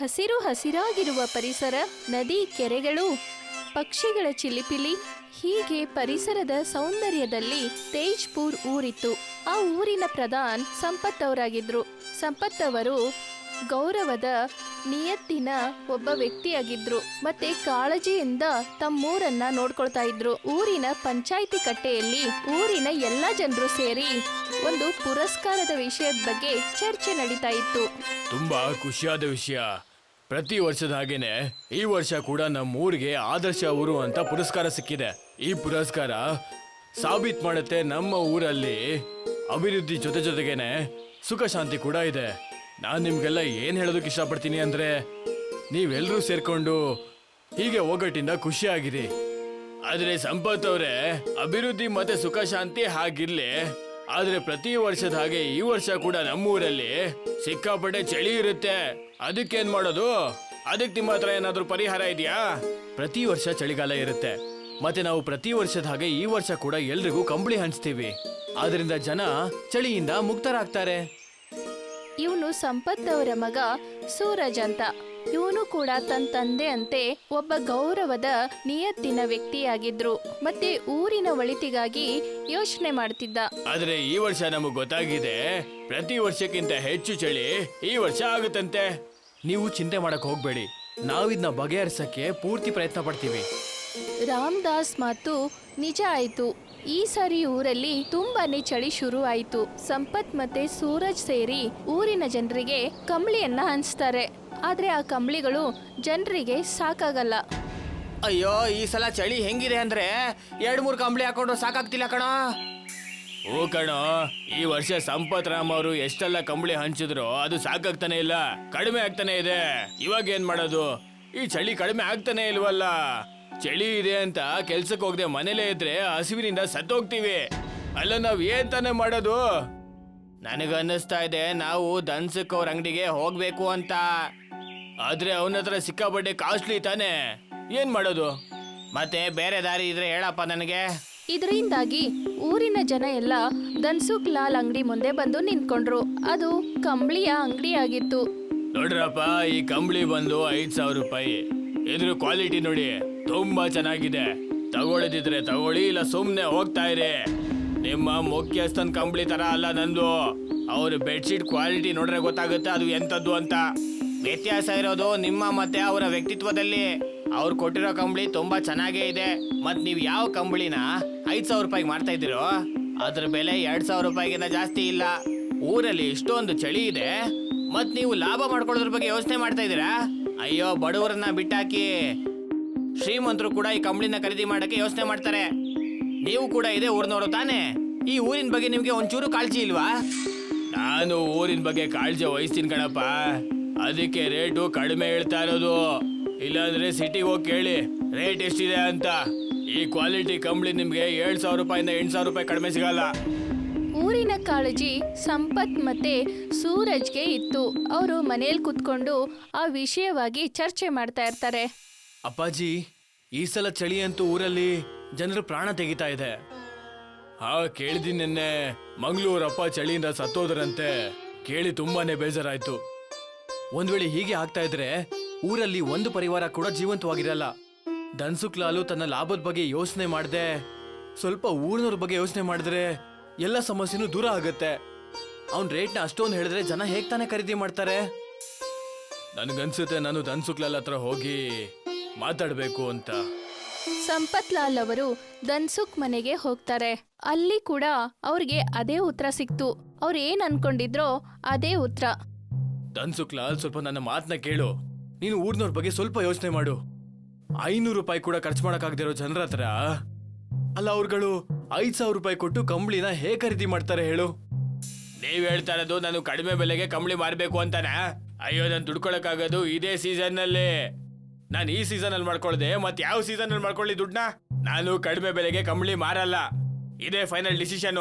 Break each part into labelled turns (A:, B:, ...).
A: ಹಸಿರು ಹಸಿರಾಗಿರುವ ಪರಿಸರ, ನದಿ, ಕೆರೆಗಳು, ಪಕ್ಷಿಗಳ ಚಿಲಿಪಿಲಿ, ಹೀಗೆ ಪರಿಸರದ ಸೌಂದರ್ಯದಲ್ಲಿ ತೇಜ್ಪುರ್ ಊರಿತ್ತು. ಆ ಊರಿನ ಪ್ರಧಾನ್ ಸಂಪತ್ ಅವರಾಗಿದ್ರು. ಸಂಪತ್ ಅವರು ಗೌರವದ ನಿಯತ್ತಿನ ಒಬ್ಬ ವ್ಯಕ್ತಿಯಾಗಿದ್ರು ಮತ್ತೆ ಕಾಳಜಿಯಿಂದ ತಮ್ಮೂರನ್ನ ನೋಡ್ಕೊಳ್ತಾ ಇದ್ರು. ಊರಿನ ಪಂಚಾಯಿತಿ ಕಟ್ಟೆಯಲ್ಲಿ ಊರಿನ ಎಲ್ಲಾ ಜನರು ಸೇರಿ ಒಂದು ಪುರಸ್ಕಾರದ ವಿಷಯದ ಬಗ್ಗೆ ಚರ್ಚೆ ನಡೀತಾ ಇತ್ತು.
B: ತುಂಬಾ ಖುಷಿಯಾದ ವಿಷಯ. ಪ್ರತಿ ವರ್ಷದ ಹಾಗೇನೆ ಈ ವರ್ಷ ಕೂಡ ನಮ್ಮೂರಿಗೆ ಆದರ್ಶ ಊರು ಅಂತ ಪುರಸ್ಕಾರ ಸಿಕ್ಕಿದೆ. ಈ ಪುರಸ್ಕಾರ ಸಾಬೀತ್ ಮಾಡುತ್ತೆ ನಮ್ಮ ಊರಲ್ಲಿ ಅಭಿವೃದ್ಧಿ ಜೊತೆಗೇನೆ ಸುಖ ಶಾಂತಿ ಕೂಡ ಇದೆ. ನಾನ್ ನಿಮ್ಗೆಲ್ಲ ಏನ್ ಹೇಳೋದಕ್ಕೆ ಇಷ್ಟಪಡ್ತೀನಿ ಅಂದ್ರೆ, ನೀವೆಲ್ಲರೂ ಸೇರ್ಕೊಂಡು ಹೀಗೆ ಒಗ್ಗಟ್ಟಿಂದ ಖುಷಿಯಾಗಿರಿ. ಆದ್ರೆ ಸಂಪತ್ ಅವ್ರೆ, ಅಭಿವೃದ್ಧಿ ಮತ್ತೆ ಸುಖ ಶಾಂತಿ ಹಾಗಿರ್ಲಿ, ಆದ್ರೆ ಪ್ರತಿ ವರ್ಷದ ಹಾಗೆ ಈ ವರ್ಷ ಕೂಡ ನಮ್ಮೂರಲ್ಲಿ ಸಿಕ್ಕಾಪಟ್ಟೆ ಚಳಿ ಇರುತ್ತೆ. ಅದಕ್ಕೇನ್ ಮಾಡೋದು? ಅದಕ್ಕೆ ನಿಮ್ಮ ಹತ್ರ ಏನಾದ್ರೂ ಪರಿಹಾರ ಇದೆಯಾ? ಪ್ರತಿ ವರ್ಷ ಚಳಿಗಾಲ ಇರುತ್ತೆ, ಮತ್ತೆ ನಾವು ಪ್ರತಿ ವರ್ಷದ ಹಾಗೆ ಈ ವರ್ಷ ಕೂಡ ಎಲ್ರಿಗೂ ಕಂಬಳಿ ಹಂಚ್ತೀವಿ. ಆದ್ರಿಂದ ಜನ ಚಳಿಯಿಂದ ಮುಕ್ತರಾಗ್ತಾರೆ.
A: ಇವನು ಸಂಪತ್ ಅವರ ಮಗ ಸೂರಜ್ ಅಂತ. ಇವನು ಕೂಡ ತನ್ನ ತಂದೆ ಅಂತೆ ಒಬ್ಬ ಗೌರವದ ನಿಯತ್ತಿನ ವ್ಯಕ್ತಿಯಾಗಿದ್ರು ಮತ್ತೆ ಊರಿನ ಒಳಿತಿಗಾಗಿ ಯೋಚನೆ ಮಾಡ್ತಿದ್ದ.
B: ಆದ್ರೆ ಈ ವರ್ಷ ನಮಗ್ ಗೊತ್ತಾಗಿದೆ, ಪ್ರತಿ ವರ್ಷಕ್ಕಿಂತ ಹೆಚ್ಚು ಚಳಿ ಈ ವರ್ಷ ಆಗುತ್ತಂತೆ. ನೀವು ಚಿಂತೆ ಮಾಡಕ್ ಹೋಗ್ಬೇಡಿ, ನಾವಿದ್ನ ಬಗೆಹರಿಸಕ್ಕೆ ಪೂರ್ತಿ ಪ್ರಯತ್ನ ಪಡ್ತೀವಿ.
A: ರಾಮದಾಸ್ ಮಾತು ನಿಜ ಆಯ್ತು. ಈ ಸಾರಿ ಊರಲ್ಲಿ ತುಂಬಾನೇ ಚಳಿ ಶುರು ಆಯ್ತು. ಸಂಪತ್ ಮತ್ತೆ ಸೂರಜ್ ಸೇರಿ ಊರಿನ ಜನರಿಗೆ ಕಂಬಳಿಯನ್ನ ಹಂಚ್ತಾರೆ. ಆದ್ರೆ ಆ ಕಂಬಳಿಗಳು ಜನರಿಗೆ ಸಾಕಾಗಲ್ಲ.
B: ಅಯ್ಯೋ, ಈ ಸಲ ಚಳಿ ಹೆಂಗಿದೆ ಅಂದ್ರೆ 2-3 ಕಂಬಳಿ ಹಾಕೊಂಡ್ರು ಸಾಕಾಗ್ತಿಲ್ಲ ಕಣೋ. ಓ ಕಣೋ, ಈ ವರ್ಷ ಸಂಪತ್ ರಾಮ್ ಅವರು ಎಷ್ಟೆಲ್ಲ ಕಂಬಳಿ ಹಂಚಿದ್ರು ಅದು ಸಾಕಾಗ್ತಾನೆ ಇಲ್ಲ, ಕಡಿಮೆ ಆಗ್ತಾನೆ ಇದೆ. ಇವಾಗ ಏನ್ ಮಾಡೋದು? ಈ ಚಳಿ ಕಡಿಮೆ ಆಗ್ತಾನೆ ಇಲ್ವಲ್ಲ. ಚಳಿ ಇದೆ ಅಂತ ಕೆಲ್ಸಕ್ಕೆ ಹೋಗದೆ ಮನೇಲೇ ಇದ್ರೆ ಹಸಿವಿನಿಂದ ಸತ್ತೋಗ್ತೀವಿ. ಅಲ್ಲ, ನಾವ್ ಏನ್ ತಾನೇ ಮಾಡೋದು? ನನಗನ್ನಿಸ್ತಾ ಇದೆ ನಾವು ದನ್ಸಕ್ ಅವ್ರ ಅಂಗಡಿಗೆ ಹೋಗ್ಬೇಕು ಅಂತ. ಆದ್ರೆ ಅವನ ಹತ್ರ ಸಿಕ್ಕಾಪಟ್ಟೆ ಕಾಸ್ಟ್ಲಿ ತಾನೆ, ಏನ್ ಮಾಡೋದು? ಮತ್ತೆ ಬೇರೆ ದಾರಿ ಇದ್ರೆ ಹೇಳಪ್ಪ ನನಗೆ.
A: ಇದರಿಂದಾಗಿ ಊರಿನ ಜನ ಎಲ್ಲ ಧನ್ಸುಖ್ ಲಾಲ್ ಅಂಗಡಿ ಮುಂದೆ ಬಂದು ನಿಂತ್ಕೊಂಡ್ರು. ಅದು ಕಂಬಳಿಯ ಅಂಗಡಿ ಆಗಿತ್ತು.
B: ನೋಡ್ರಪ್ಪ, ಈ ಕಂಬಳಿ ಬಂದು 5,000 ರೂಪಾಯಿ. ಇದ್ರ ಕ್ವಾಲಿಟಿ ನೋಡಿ, ತುಂಬಾ ಚೆನ್ನಾಗಿದೆ. ತಗೊಳ್ಳದಿದ್ರೆ ತಗೊಳ್ಳಿ, ಇಲ್ಲ ಸುಮ್ನೆ ಹೋಗ್ತಾ ಇರಿ. ನಿಮ್ಮ ಮುಖ್ಯಸ್ಥನ್ ಕಂಬಳಿ ತರ ಅಲ್ಲ ನಂದು. ಅವ್ರ ಬೆಡ್ಶೀಟ್ ಕ್ವಾಲಿಟಿ ನೋಡ್ರೆ ಗೊತ್ತಾಗುತ್ತೆ ಅದು ಎಂತದ್ದು ಅಂತ. ವ್ಯತ್ಯಾಸ ಇರೋದು ನಿಮ್ಮ ಮತ್ತೆ ಅವರ ವ್ಯಕ್ತಿತ್ವದಲ್ಲಿ. ಅವ್ರು ಕೊಟ್ಟಿರೋ ಕಂಬಳಿ ತುಂಬಾ ಚೆನ್ನಾಗೇ ಇದೆ. ಮತ್ ನೀವ್ ಯಾವ ಕಂಬಳಿನ 5,000 ರೂಪಾಯಿಗೆ ಮಾಡ್ತಾ ಇದ್ದೀರೋ ಅದ್ರ ಬೆಲೆ 2,000 ರೂಪಾಯಿಗಿಂತ ಜಾಸ್ತಿ ಇಲ್ಲ. ಊರಲ್ಲಿ ಇಷ್ಟೊಂದು ಚಳಿ ಇದೆ, ಮತ್ ನೀವು ಲಾಭ ಮಾಡ್ಕೊಳ್ಳೋದ್ರ ಬಗ್ಗೆ ಯೋಚನೆ ಮಾಡ್ತಾ ಇದ್ದೀರಾ? ಅಯ್ಯೋ, ಬಡವರನ್ನ ಬಿಟ್ಟಾಕಿ ಶ್ರೀಮಂತರು ಕೂಡ ಈ ಕಂಬಳಿನ ಖರೀದಿ ಮಾಡಕ್ಕೆ ಯೋಚನೆ ಮಾಡ್ತಾರೆ. ನೀವು ಕೂಡ ಇದೇ ಊರಿನವರು ತಾನೇ? ಈ ಊರಿನ ಬಗ್ಗೆ ನಿಮ್ಗೆ ಒಂಚೂರು ಕಾಳಜಿ ಇಲ್ವಾ? ನಾನು ಊರಿನ ಬಗ್ಗೆ ಕಾಳಜಿ ವಹಿಸ್ತೀನಿ ಕಣಪ್ಪ, ಅದಕ್ಕೆ ರೇಟು ಕಡಿಮೆ ಹೇಳ್ತಾ ಇರೋದು. ಇಲ್ಲಾಂದ್ರೆ ಸಿಟಿಗೆ ಹೋಗಿ ಕೇಳಿ ರೇಟ್ ಎಷ್ಟಿದೆ ಅಂತ. ಈ ಕ್ವಾಲಿಟಿ ಕಂಬಳಿ ನಿಮ್ಗೆ 7,000 ರೂಪಾಯಿಂದ 8,000 ರೂಪಾಯಿ ಕಡಿಮೆ ಸಿಗಲ್ಲ.
A: ಊರಿನ ಕಾಳಜಿ ಸಂಪತ್ ಮತ್ತೆ ಸೂರಜ್ಗೆ ಇತ್ತು. ಅವರು ಮನೇಲಿ ಕುತ್ಕೊಂಡು ಆ ವಿಷಯವಾಗಿ ಚರ್ಚೆ ಮಾಡ್ತಾ ಇರ್ತಾರೆ.
B: ಅಪ್ಪಾಜಿ, ಈ ಸಲ ಚಳಿ ಅಂತೂ ಊರಲ್ಲಿ ಜನರು ಪ್ರಾಣ ತೆಗಿತಾ ಇದೆ. ಹಾ, ಕೇಳಿದೀನಿ ನಿನ್ನೆ ಮಂಗಳೂರಪ್ಪ ಚಳಿಯಿಂದ ಸತ್ತೋದ್ರಂತೆ. ಕೇಳಿ ತುಂಬಾನೇ ಬೇಜಾರಾಯ್ತು. ಒಂದ್ ವೇಳೆ ಹೀಗೆ ಆಗ್ತಾ ಇದ್ರೆ ಊರಲ್ಲಿ ಒಂದು ಪರಿವಾರ ಕೂಡ ಜೀವಂತವಾಗಿರಲ್ಲ. ಧನ್ಸುಖ್ ಲಾಲು ತನ್ನ ಲಾಭದ ಬಗ್ಗೆ ಯೋಚನೆ ಮಾಡದೆ ಸ್ವಲ್ಪ ಊರಿನವ್ರ ಬಗ್ಗೆ ಯೋಚನೆ ಮಾಡಿದ್ರೆ ಎಲ್ಲ ಸಮಸ್ಯೆನೂ ದೂರ ಆಗುತ್ತೆ. ಅವ್ನ್ ರೇಟ್ನ ಅಷ್ಟೊಂದು ಹೇಳಿದ್ರೆ ಜನ ಹೇಗ್ ತಾನೇ ಖರೀದಿ ಮಾಡ್ತಾರೆ? ನನ್ಗನ್ಸುತ್ತೆ ನಾನು ಧನ್ಸುಖ್ ಲಾಲ್ ಹತ್ರ ಹೋಗಿ ಮಾತಾಡ್ಬೇಕು ಅಂತ.
A: ಸಂಪತ್ ಲಾಲ್ ಅವರು ಧನ್ಸುಖ್ ಮನೆಗೆ ಹೋಗ್ತಾರೆ. ಅಲ್ಲಿ ಕೂಡ ಅವ್ರಿಗೆ ಅದೇ ಉತ್ತರ ಸಿಕ್ತು. ಅವ್ರು ಏನ್ ಅನ್ಕೊಂಡಿದ್ರೋ ಅದೇ ಉತ್ತರ.
B: ಧನ್ಸುಖ್ ಲಾಲ್, ಸ್ವಲ್ಪ ನನ್ನ ಮಾತನ್ನ ಕೇಳು. ನೀನು ಊರ್ನವ್ರ ಬಗ್ಗೆ ಸ್ವಲ್ಪ ಯೋಚನೆ ಮಾಡು. 500 ರೂಪಾಯಿ ಕೂಡ ಖರ್ಚು ಮಾಡಕ್ಕಾಗದಿರೋ ಜನರ ಹತ್ರ ಅಲ್ಲ ಅವ್ರುಗಳು 5,000 ರೂಪಾಯಿ ಕೊಟ್ಟು ಕಂಬಳಿನ ಹೇಗೆ ಖರೀದಿ ಮಾಡ್ತಾರೆ ಹೇಳು? ನೀವ್ ಹೇಳ್ತಾ ಇರೋದು ನಾನು ಕಡಿಮೆ ಬೆಲೆಗೆ ಕಂಬಳಿ ಮಾರ್ಬೇಕು ಅಂತಾನ? ಅಯ್ಯೋ, ನಾನು ದುಡ್ಕೊಳಕ್ಕಾಗೋದು ಇದೇ ಸೀಸನ್ ನಲ್ಲಿ. ನಾನು ಈ ಸೀಸನ್ ಅಲ್ಲಿ ಮಾಡ್ಕೊಳ್ದೆ ಮತ್ತೆ ಯಾವ ಸೀಸನ್ ಅಲ್ಲಿ ಮಾಡ್ಕೊಳ್ಳಿ ದುಡ್ಡನ್ನ? ನಾನು ಕಡಿಮೆ ಬೆಲೆಗೆ ಕಂಬಳಿ ಮಾರಲ್ಲ. ಇದೇ ಫೈನಲ್ ಡಿಸಿಷನ್.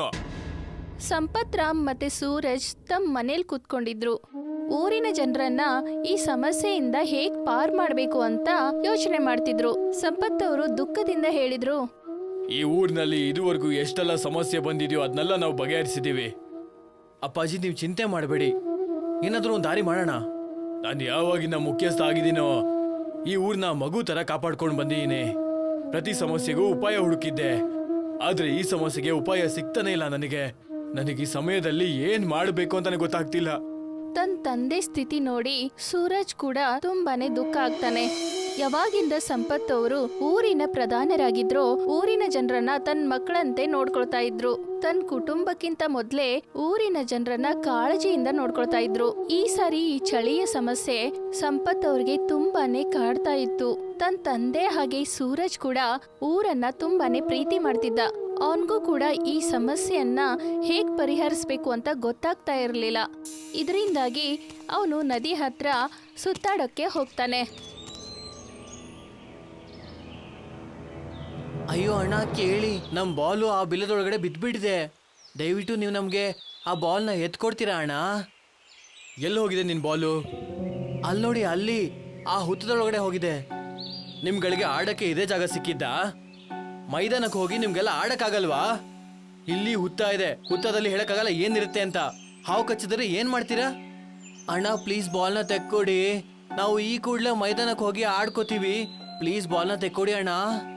A: ಸಂಪತ್ ರಾಮ್ ಮತ್ತೆ ಸೂರಜ್ ತಮ್ಮ ಮನೇಲಿ ಕೂತ್ಕೊಂಡಿದ್ರು. ಊರಿನ ಜನರನ್ನ ಈ ಸಮಸ್ಯೆಯಿಂದ ಹೇಗ್ ಪಾರ್ ಮಾಡ್ಬೇಕು ಅಂತ ಯೋಚನೆ ಮಾಡ್ತಿದ್ರು. ಸಂಪತ್ ಅವರು ದುಃಖದಿಂದ ಹೇಳಿದ್ರು,
B: ಈ ಊರಿನಲ್ಲಿ ಇದುವರೆಗೂ ಎಷ್ಟೆಲ್ಲ ಸಮಸ್ಯೆ ಬಂದಿದೆಯೋ ಅದನ್ನೆಲ್ಲ ನಾವು ಬಗೆಹರಿಸಿದೀವಿ. ಅಪ್ಪಾಜಿ, ನೀವು ಚಿಂತೆ ಮಾಡಬೇಡಿ, ಏನಾದ್ರೂ ಒಂದು ದಾರಿ ಮಾಡೋಣ. ನಾನು ಯಾವಾಗಿನ ಮುಖ್ಯಸ್ಥ ಆಗಿದ್ದೀನೋ ಈ ಊರ್ನ ಮಗು ತರ ಕಾಪಾಡ್ಕೊಂಡು ಬಂದಿದ್ದೀನಿ. ಪ್ರತಿ ಸಮಸ್ಯೆಗೂ ಉಪಾಯ ಹುಡುಕಿದ್ದೆ, ಆದ್ರೆ ಈ ಸಮಸ್ಯೆಗೆ ಉಪಾಯ ಸಿಗ್ತಾನೆ ಇಲ್ಲ ನನಗೆ. ನನಗೆ ಈ ಸಮಯದಲ್ಲಿ ಏನ್ ಮಾಡಬೇಕು ಅಂತಾನೆ ಗೊತ್ತಾಗ್ತಿಲ್ಲ.
A: ತನ್ನ ತಂದೆ ಸ್ಥಿತಿ ನೋಡಿ ಸೂರಜ್ ಕೂಡ ತುಂಬಾನೇ ದುಃಖ ಆಗ್ತಾನೆ. ಯಾವಾಗಿಂದ ಸಂಪತ್ ಅವರು ಊರಿನ ಪ್ರಧಾನರಾಗಿದ್ರೋ ಊರಿನ ಜನರನ್ನ ತನ್ನ ಮಕ್ಕಳಂತೆ ನೋಡ್ಕೊಳ್ತಾ ಇದ್ರು. ತನ್ನ ಕುಟುಂಬಕ್ಕಿಂತ ಮೊದ್ಲೇ ಊರಿನ ಜನರನ್ನ ಕಾಳಜಿಯಿಂದ ನೋಡ್ಕೊಳ್ತಾ ಇದ್ರು. ಈ ಸಾರಿ ಈ ಚಳಿಯ ಸಮಸ್ಯೆ ಸಂಪತ್ ಅವ್ರಿಗೆ ತುಂಬಾನೇ ಕಾಡ್ತಾ ಇತ್ತು. ತನ್ನ ತಂದೆ ಹಾಗೆ ಸೂರಜ್ ಕೂಡ ಊರನ್ನ ತುಂಬಾನೇ ಪ್ರೀತಿ ಮಾಡ್ತಿದ್ದ. ಅವನಿಗೂ ಕೂಡ ಈ ಸಮಸ್ಯೆಯನ್ನ ಹೇಗ್ ಪರಿಹರಿಸ್ಬೇಕು ಅಂತ ಗೊತ್ತಾಗ್ತಾ ಇರಲಿಲ್ಲ. ಇದರಿಂದಾಗಿ ಅವನು ನದಿ ಹತ್ರ ಸುತ್ತಾಡೋಕ್ಕೆ ಹೋಗ್ತಾನೆ.
B: ಅಯ್ಯೋ ಅಣ್ಣ ಕೇಳಿ, ನಮ್ ಬಾಲು ಆ ಬಿಲ್ಲದೊಳಗಡೆ ಬಿದ್ದ್ಬಿಟ್ಟಿದೆ. ದಯವಿಟ್ಟು ನೀವು ನಮ್ಗೆ ಆ ಬಾಲ್ನ ಎತ್ಕೊಡ್ತೀರಾ ಅಣ್ಣ? ಎಲ್ಲಿ ಹೋಗಿದೆ ನಿನ್ ಬಾಲು? ಅಲ್ಲಿ ನೋಡಿ, ಅಲ್ಲಿ ಆ ಹುತ್ತದೊಳಗಡೆ ಹೋಗಿದೆ. ನಿಮ್ಗಳಿಗೆ ಆಡಕ್ಕೆ ಇದೇ ಜಾಗ ಸಿಕ್ಕಿದ್ದ? ಮೈದಾನಕ್ಕೆ ಹೋಗಿ ನಿಮ್ಗೆಲ್ಲ ಆಡಕ್ಕಾಗಲ್ವಾ? ಇಲ್ಲಿ ಹುತ್ತ ಇದೆ, ಹುತ್ತದಲ್ಲಿ ಹೇಳಕ್ಕಾಗಲ್ಲ ಏನಿರುತ್ತೆ ಅಂತ. ಹಾವು ಕಚ್ಚಿದ್ರೆ ಏನ್ ಮಾಡ್ತೀರಾ? ಅಣ್ಣ ಪ್ಲೀಸ್ ಬಾಲ್ನ ತೆಕ್ಕೊಡಿ, ನಾವು ಈ ಕೂಡಲೇ ಮೈದಾನಕ್ಕೆ ಹೋಗಿ ಆಡ್ಕೋತೀವಿ. ಪ್ಲೀಸ್ ಬಾಲ್ನ ತೆಕ್ಕೊಡಿ ಅಣ್ಣ.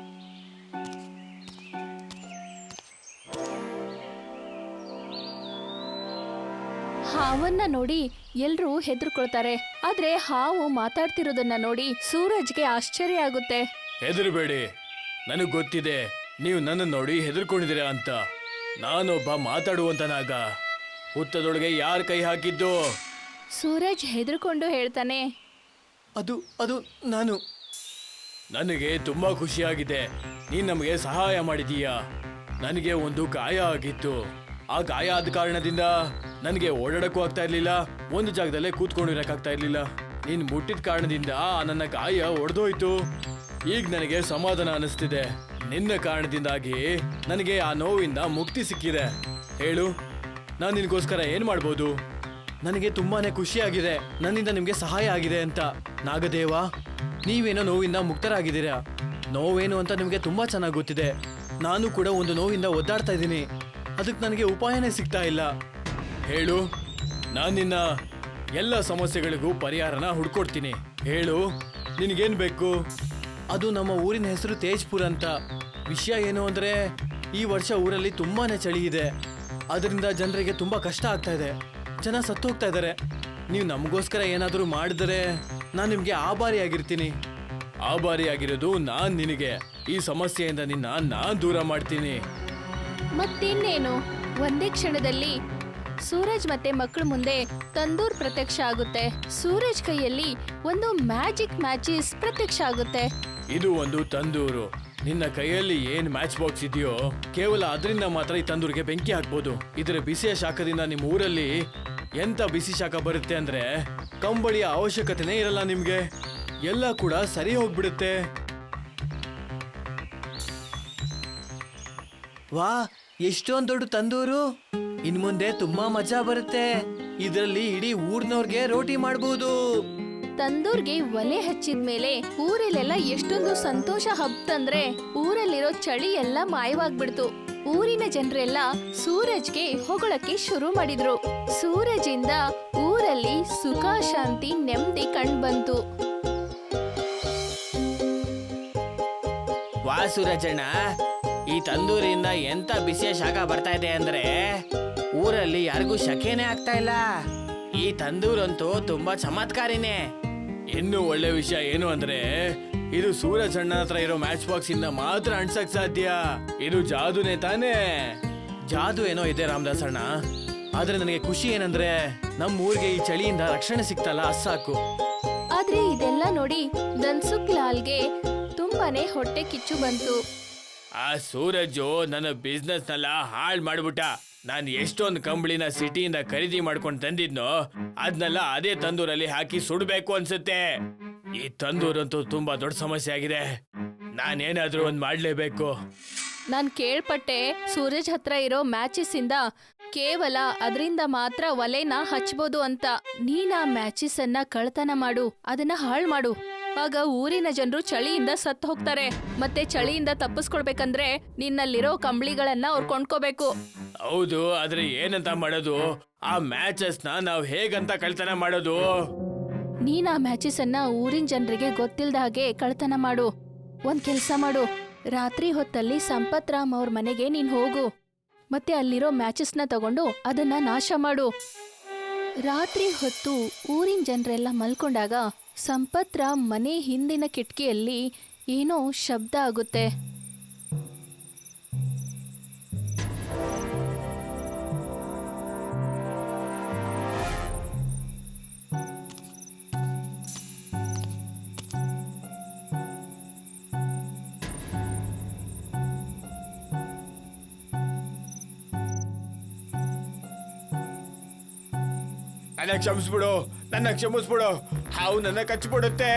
A: ಹಾವನ್ನ ನೋಡಿ ಎಲ್ರೂ ಹೆದರ್ಕೊಳ್ತಾರೆ. ಆದ್ರೆ ಹಾವು ಮಾತಾಡ್ತಿರೋದನ್ನ ನೋಡಿ ಸೂರಜ್ಗೆ ಆಶ್ಚರ್ಯ ಆಗುತ್ತೆ.
B: ಹೆದರ್ಬೇಡಿ, ನನಗ್ ಗೊತ್ತಿದೆ ನೀವು ನನ್ನ ನೋಡಿ ಹೆದರ್ಕೊಂಡಿದ್ದೀರಾ ಅಂತ. ನಾನೊಬ್ಬ ಮಾತಾಡುವಂತ ನಾಗ. ಹುತ್ತದೊಳಗೆ ಯಾರ ಕೈ ಹಾಕಿದ್ದು?
A: ಸೂರಜ್ ಹೆದರ್ಕೊಂಡು ಹೇಳ್ತಾನೆ,
B: ಅದು ಅದು ನಾನು. ನನಗೆ ತುಂಬಾ ಖುಷಿಯಾಗಿದೆ, ನೀನ್ ನಮಗೆ ಸಹಾಯ ಮಾಡಿದೀಯಾ. ನನಗೆ ಒಂದು ಗಾಯ ಆಗಿತ್ತು. ಆ ಗಾಯ ಆದ ಕಾರಣದಿಂದ ನನಗೆ ಓಡಾಡಕ್ಕೂ ಆಗ್ತಾ ಇರ್ಲಿಲ್ಲ, ಒಂದು ಜಾಗದಲ್ಲೇ ಕೂತ್ಕೊಂಡಿರಕ್ಕಾಗ್ತಾ ಇರ್ಲಿಲ್ಲ. ನೀನ್ ಮುಟ್ಟಿದ ಕಾರಣದಿಂದ ನನ್ನ ಗಾಯ ಒಡೆದೋಯ್ತು. ಈಗ ನನಗೆ ಸಮಾಧಾನ ಅನಿಸ್ತಿದೆ. ನಿನ್ನ ಕಾರಣದಿಂದಾಗಿ ನನಗೆ ಆ ನೋವಿಂದ ಮುಕ್ತಿ ಸಿಕ್ಕಿದೆ. ಹೇಳು, ನಾನು ನಿನಗೋಸ್ಕರ ಏನ್ ಮಾಡ್ಬೋದು? ನನಗೆ ತುಂಬಾನೇ ಖುಷಿಯಾಗಿದೆ ನನ್ನಿಂದ ನಿಮ್ಗೆ ಸಹಾಯ ಆಗಿದೆ ಅಂತ. ನಾಗದೇವ, ನೀವೇನೋ ನೋವಿಂದ ಮುಕ್ತರಾಗಿದ್ದೀರಾ. ನೋವೇನು ಅಂತ ನಿಮ್ಗೆ ತುಂಬಾ ಚೆನ್ನಾಗಿ ಗೊತ್ತಿದೆ. ನಾನು ಕೂಡ ಒಂದು ನೋವಿಂದ ಒದ್ದಾಡ್ತಾ ಇದ್ದೀನಿ, ಅದಕ್ಕೆ ನನಗೆ ಉಪಾಯನೇ ಸಿಗ್ತಾ ಇಲ್ಲ. ಹೇಳು, ನಾನು ನಿನ್ನ ಎಲ್ಲ ಸಮಸ್ಯೆಗಳಿಗೂ ಪರಿಹಾರನ ಹುಡ್ಕೊಡ್ತೀನಿ. ಹೇಳು, ನಿನಗೇನು ಬೇಕು? ಅದು ನಮ್ಮ ಊರಿನ ಹೆಸರು ತೇಜ್ಪುರ್ ಅಂತ. ವಿಷಯ ಏನು ಅಂದ್ರೆ ಈ ವರ್ಷ ಊರಲ್ಲಿ ತುಂಬಾನೇ ಚಳಿ ಇದೆ, ಅದರಿಂದ ಜನರಿಗೆ ತುಂಬಾ ಕಷ್ಟ ಆಗ್ತಾ ಇದೆ. ಜನ ಸತ್ತು ಹೋಗ್ತಾ ಇದ್ದಾರೆ. ನೀವು ನಮಗೋಸ್ಕರ ಏನಾದರೂ ಮಾಡಿದರೆ ನಾನು ನಿಮಗೆ ಆಭಾರಿಯಾಗಿರ್ತೀನಿ. ಆಭಾರಿಯಾಗಿರೋದು ನಾನು ನಿನಗೆ. ಈ ಸಮಸ್ಯೆಯಿಂದ ನಿನ್ನ ನಾನು ದೂರ ಮಾಡ್ತೀನಿ.
A: ಮತ್ತಿನ್ನೇನು, ಒಂದೇ ಕ್ಷಣದಲ್ಲಿ ಸೂರಜ್ ಮತ್ತೆ ಮಕ್ಕಳ ಮುಂದೆ ತಂದೂರ್ ಪ್ರತ್ಯಕ್ಷ ಆಗುತ್ತೆ. ಸೂರಜ್ ಕೈಯಲ್ಲಿ ಒಂದು ಮ್ಯಾಜಿಕ್ ಮ್ಯಾಚಿಸ್ ಪ್ರತ್ಯಕ್ಷ ಆಗುತ್ತೆ.
B: ಇದು ಒಂದು ತಂದೂರು. ನಿನ್ನ ಕೈಯಲ್ಲಿ ಏನ್ ಮ್ಯಾಚ್ ಬಾಕ್ಸ್ ಇದೆಯೋ ಕೇವಲ ಅದರಿಂದ ಮಾತ್ರ ಈ ತಂದೂರಿಗೆ ಬೆಂಕಿ ಹಾಕ್ಬೋದು. ಇದರ ಬಿಸಿಯ ಶಾಖದಿಂದ ನಿಮ್ಮ ಊರಲ್ಲಿ ಎಂತ ಬಿಸಿ ಶಾಖ ಬರುತ್ತೆ ಅಂದ್ರೆ ಕಂಬಳಿಯ ಅವಶ್ಯಕತೆನೇ ಇರಲ್ಲ ನಿಮ್ಗೆ. ಎಲ್ಲ ಕೂಡ ಸರಿ ಹೋಗ್ಬಿಡುತ್ತೆ. ವಾ, ಎಷ್ಟೊಂದು ದೊಡ್ಡ ತಂದೂರು! ಇನ್ ಮುಂದೆ ತುಂಬಾ ಮಜಾ ಬರುತ್ತೆ. ಇದರಲ್ಲಿ ಇಡೀ ಊರ್ನವ್ರಿಗೆ ರೋಟಿ ಮಾಡಬಹುದು.
A: ತಂದೂರ್ಗೆ ಒಲೆ ಹಚ್ಚಿದ ಮೇಲೆ ಊರಲ್ಲೆಲ್ಲ ಎಷ್ಟೊಂದು ಸಂತೋಷ ಹಬ್ತಂದ್ರೆ ಊರಲ್ಲಿರೋ ಚಳಿ ಎಲ್ಲ ಮಾಯವಾಗ್ಬಿಡ್ತು. ಊರಿನ ಜನರೆಲ್ಲ ಸೂರಜ್ಗೆ ಹೊಗಳಕ್ಕೆ ಶುರು ಮಾಡಿದ್ರು. ಸೂರಜಿಂದ ಊರಲ್ಲಿ ಸುಖ, ಶಾಂತಿ, ನೆಮ್ಮದಿ ಕಂಡ್ಬಂತು.
B: ವಾ ಸೂರಜಣ್ಣ, ಈ ತಂದೂರಿಂದ ಎಂತ ಬಿಸಿಯ ಶಾಖ ಬರ್ತಾ ಇದೆ ಅಂದ್ರೆ ಊರಲ್ಲಿ ಯಾರಿಗೂ ಶಕೆನೇ ಆಗ್ತಾ ಇಲ್ಲ. ಈ ತಂದೂರಂತೂ ತುಂಬಾ ಚಮತ್ಕಾರಿನೇ. ಇನ್ನು ಒಳ್ಳೆ ವಿಷಯ ಏನು ಅಂದ್ರೆ ಇದು ಸೂರಜ್ ಅಣ್ಣ ಹತ್ರ ಇರೋ ಮ್ಯಾಚ್ ಬಾಕ್ಸ್ ಇಂದ ಮಾತ್ರ ಅಣ್ಸಕ್ ಸಾಧ್ಯ. ಇದು ಜಾದುನೇ ತಾನೇ? ಜಾದು ಏನೋ ಇದೆ ರಾಮದಾಸ್ ಅಣ್ಣ, ಆದ್ರೆ ನನಗೆ ಖುಷಿ ಏನಂದ್ರೆ ನಮ್ಮ ಊರಿಗೆ ಈ ಚಳಿಯಿಂದ ರಕ್ಷಣೆ ಸಿಕ್ತಲ್ಲ, ಸಾಕು.
A: ಆದ್ರೆ ಇದೆಲ್ಲ ನೋಡಿ ಧನ್ಸುಖ್ ಲಾಲ್ಗೆ ತುಂಬಾನೇ ಹೊಟ್ಟೆ ಕಿಚ್ಚು ಬಂತು.
B: ಆ ಸೂರಜು ನನ್ನ ಬಿಸ್ನೆಸ್ ನೆಲ್ಲ ಹಾಳು ಮಾಡ್ಬಿಟ್ಟ. ನಾನು ಎಷ್ಟೊಂದು ಕಂಬಳಿನ ಸಿಟಿಯಿಂದ ಖರೀದಿ ಮಾಡ್ಕೊಂಡು ತಂದಿದ್ನೋ ಅದನ್ನೆಲ್ಲ ಅದೇ ತಂದೂರಲ್ಲಿ ಹಾಕಿ ಸುಡ್ಬೇಕು ಅನ್ಸುತ್ತೆ. ಈ ತಂದೂರಂತೂ ತುಂಬಾ ದೊಡ್ಡ ಸಮಸ್ಯೆ ಆಗಿದೆ. ನಾನೇನಾದ್ರೂ ಒಂದ್ ಮಾಡ್ಲೇಬೇಕು.
A: ನಾನ್ ಕೇಳ್ಪಟ್ಟೆ ಸೂರಜ್ ಹತ್ರ ಇರೋ ಮ್ಯಾಚಿಸ್ ಇಂದ ಕೇವಲ ಅದರಿಂದ ಮಾತ್ರ ಒಲೆನ ಹಚ್ಬೋದು ಅಂತ. ನೀನ್ ಆ ಮ್ಯಾಚಿಸ್ ಅನ್ನ ಕಳ್ತನ ಮಾಡು, ಅದನ್ನ ಹಾಳು ಮಾಡು. ಆಗ ಊರಿನ ಜನರು ಚಳಿಯಿಂದ ಸತ್ತು ಹೋಗ್ತಾರೆ. ಮತ್ತೆ ಚಳಿಯಿಂದ ತಪ್ಪಿಸ್ಕೊಳ್ಬೇಕಂದ್ರೆ ನಿನ್ನಲ್ಲಿರೋ ಕಂಬಳಿಗಳನ್ನ ಅವ್ರು ಕೊಂಡ್ಕೋಬೇಕು.
B: ಹೌದು, ಆದ್ರೆ ಏನಂತ ಮಾಡೋದು? ಆ ಮ್ಯಾಚಸ್ ನಾವು ಹೇಗಂತ ಕಳ್ತನ ಮಾಡೋದು?
A: ನೀನ್ ಆ ಮ್ಯಾಚಸ್ ಅನ್ನ ಊರಿನ ಜನರಿಗೆ ಗೊತ್ತಿಲ್ದ ಹಾಗೆ ಕಳ್ತನ ಮಾಡು. ಒಂದ್ ಕೆಲ್ಸ ಮಾಡು, ರಾತ್ರಿ ಹೊತ್ತಲ್ಲಿ ಸಂಪತ್ ರಾಮ್ ಅವ್ರ ಮನೆಗೆ ನೀನ್ ಹೋಗು. ಮತ್ತೆ ಅಲ್ಲಿರೋ ಮ್ಯಾಚಸ್ನ ತಗೊಂಡು ಅದನ್ನ ನಾಶ ಮಾಡು. ರಾತ್ರಿ ಹೊತ್ತು ಊರಿನ ಜನರೆಲ್ಲ ಮಲ್ಕೊಂಡಾಗ ಸಂಪತ್ ರಾಮ್ ಮನೆ ಹಿಂದಿನ ಕಿಟಕಿಯಲ್ಲಿ ಏನೋ ಶಬ್ದ ಆಗುತ್ತೆ.
B: ನನ್ನ ಕ್ಷಮಿಸ್ಬಿಡು, ನನ್ನ ಕ್ಷಮಿಸ್ಬಿಡು, ಹಾವು ನನ್ನ ಕಚ್ಚಿಬಿಡುತ್ತೆ.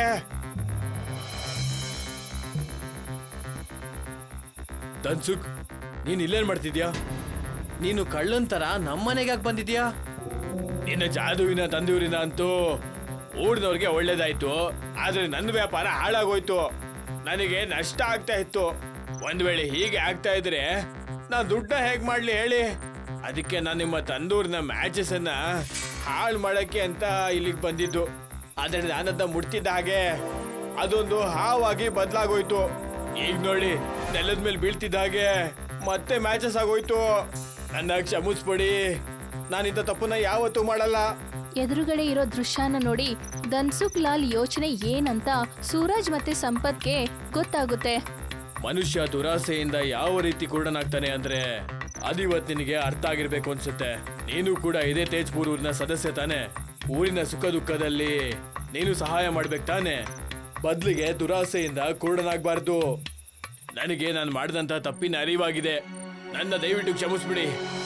B: ಧನ್ಸುಕ್, ನೀನ್ ಇಲ್ಲೇನ್ ಮಾಡ್ತಿದ್ಯಾ? ನೀನು ಕಳ್ಳಂತರ ನಮ್ಮನೆಗೆ ಯಾಕೆ ಬಂದಿದ್ಯಾ? ನಿನ್ನ ಜಾದುವಿನ ತಂದೂರಿನ ಅಂತೂ ಊರಿನವ್ರಿಗೆ ಒಳ್ಳೇದಾಯ್ತು, ಆದ್ರೆ ನನ್ನ ವ್ಯಾಪಾರ ಹಾಳಾಗೋಯ್ತು. ನನಗೆ ನಷ್ಟ ಆಗ್ತಾ ಇತ್ತು. ಒಂದ್ ವೇಳೆ ಹೀಗೆ ಆಗ್ತಾ ಇದ್ರೆ ನಾ ದುಡ್ಡ ಹೇಗ್ ಮಾಡ್ಲಿ ಹೇಳಿ? ಅದಕ್ಕೆ ನಾನು ನಿಮ್ಮ ತಂದೂರಿನ ಮ್ಯಾಚಸ್ ಅನ್ನ ಹಾಳು ಮಾಡಕ್ಕೆ ಅಂತ ಇಲ್ಲಿಗೆ ಬಂದಿದ್ದು. ಆದ್ರೆ ನಾನದ್ನ ಮುಟ್ತಿದ್ದ ಹಾಗೆ ಅದೊಂದು ಹಾವಾಗಿ ಬದಲಾಗೋಯ್ತು. ಈಗ ನೋಡಿ, ನೆಲದ ಮೇಲೆ ಬೀಳ್ತಿದ್ದ ಹಾಗೆ ಮತ್ತೆ ಮ್ಯಾಚಸ್ ಆಗೋಯ್ತು. ನನ್ನ ಕ್ಷಮಿಸ್ಬಿಡಿ, ನಾನಿಂತ ತಪ್ಪನ್ನ ಯಾವತ್ತೂ ಮಾಡಲ್ಲ.
A: ಎದುರುಗಡೆ ಇರೋ ದೃಶ್ಯನ ನೋಡಿ ಧನ್ಸುಕ್ ಲಾಲ್ ಯೋಚನೆ ಏನಂತ ಸೂರಜ್ ಮತ್ತೆ ಸಂಪತ್ಗೆ ಗೊತ್ತಾಗುತ್ತೆ.
B: ಮನುಷ್ಯ ದುರಾಸೆಯಿಂದ ಯಾವ ರೀತಿ ಕುರುಡನಾಗ್ತಾನೆ ಅಂದ್ರೆ ಅದಿವತ್ ನಿನಗೆ ಅರ್ಥ ಆಗಿರ್ಬೇಕು ಅನ್ಸುತ್ತೆ. ನೀನು ಕೂಡ ಇದೇ ತೇಜ್ಪುರ್ ಊರಿನ ಸದಸ್ಯ ತಾನೆ. ಊರಿನ ಸುಖ ದುಃಖದಲ್ಲಿ ನೀನು ಸಹಾಯ ಮಾಡ್ಬೇಕು ತಾನೆ. ಬದ್ಲಿಗೆ ದುರಾಸೆಯಿಂದ ಕುರುಡನಾಗ್ಬಾರ್ದು. ನನಗೆ ನಾನು ಮಾಡಿದಂತ ತಪ್ಪಿನ ಅರಿವಾಗಿದೆ. ನನ್ನ ದಯವಿಟ್ಟು ಕ್ಷಮಿಸ್ಬಿಡಿ.